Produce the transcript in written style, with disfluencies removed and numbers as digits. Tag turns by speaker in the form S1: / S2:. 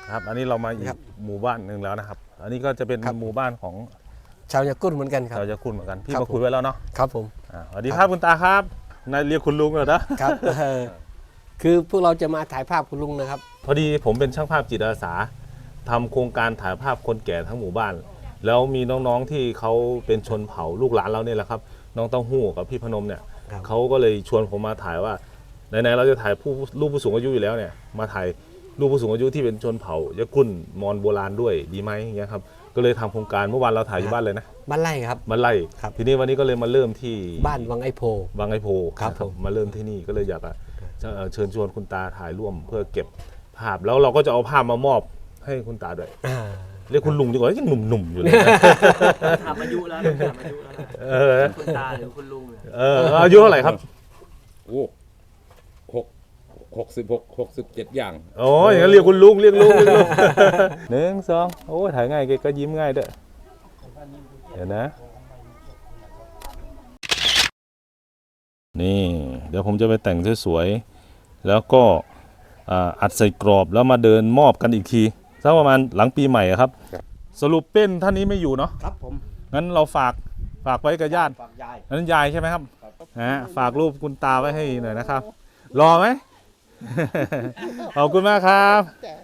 S1: ครับอันนี้เรามาอีกหมู่บ้านหนึ่งแล้วนะครับ อันนี้ก็จะเป็นหมู่บ้านของ
S2: ชาวยากุลเหมือนกันครับ
S1: ชาวยากุลเหมือนกันพี่มาคุยไว้แล้วเนาะ
S2: ครับผม
S1: สวัสดีครับคุณตาครับนายเรียกคุณลุงเหรอนะครับ
S2: คือพวกเราจะมาถ่ายภาพคุณลุงนะครับ
S1: พอดีผมเป็นช่างภาพจิตอาสาทำโครงการถ่ายภาพคนแก่ทั้งหมู่บ้าน แล้วมีน้องๆที่เขาเป็นชนเผ่าลูกหลานเราเนี่ยแหละครับน้องเต้าหู้กับพี่พนมเนี่ย
S2: ครับ
S1: เขาก็เลยชวนผมมาถ่ายว่าไหนๆเราจะถ่ายรูปผู้สูงอายุอยู่แล้วเนี่ยมาถ่ายรูปผู้สูงอายุที่เป็นชนเผ่ายะกุลมอญโบราณด้วยดีไหมอย่างเงี้ยครับก็เลยทำโครงการเมื่อวานเราถ่ายอยู่บ้านเลยนะ
S2: บ้านไร่ครับ
S1: มาไล่
S2: ครับ
S1: ทีนี้วันนี้ก็เลยมาเริ่มที่
S2: บ้านวังไอโพ
S1: บางไอโพ
S2: ครับผม
S1: มาเริ่มที่นี่ก็เลยอยากเชิญชวนคุณตาถ่ายร่วมเพื่อเก็บภาพแล้วเราก็จะเอาภาพมามอบให้คุณตาด้วย เรียกคุณลุงดีกว่ายังหนุ่มๆอยู่เลยนะ
S3: ถามอายุแล้วถามอายุแล้ว
S1: เออ
S3: คุณตาหรือคุณลุงเนี่ย
S1: อายุเท่าไหร่ครับ
S4: โอ้67 อย่าง
S1: โอ้ยอย่างนั้นเรียกคุณลุงเรียกลุง หนึ่งสองโอ้ยถ่ายง่ายแกก็ยิ้มง่ายด้วยเดี๋ยวนะนี่เดี๋ยวผมจะไปแต่งสวยๆแล้วก็อัดใส่กรอบแล้วมาเดินมอบกันอีกทีสักประมาณหลังปีใหม่อะครับ สรุปเป็นท่านนี้ไม่อยู่เนาะ
S2: ครับผม
S1: งั้นเราฝากไว้กับญาติ
S2: ฝากยาย
S1: นั้นยายใช่ไหมครับฝากรูปคุณตาไว้ให้หน่อยนะครับ รอไหม ขอบคุณมากครับ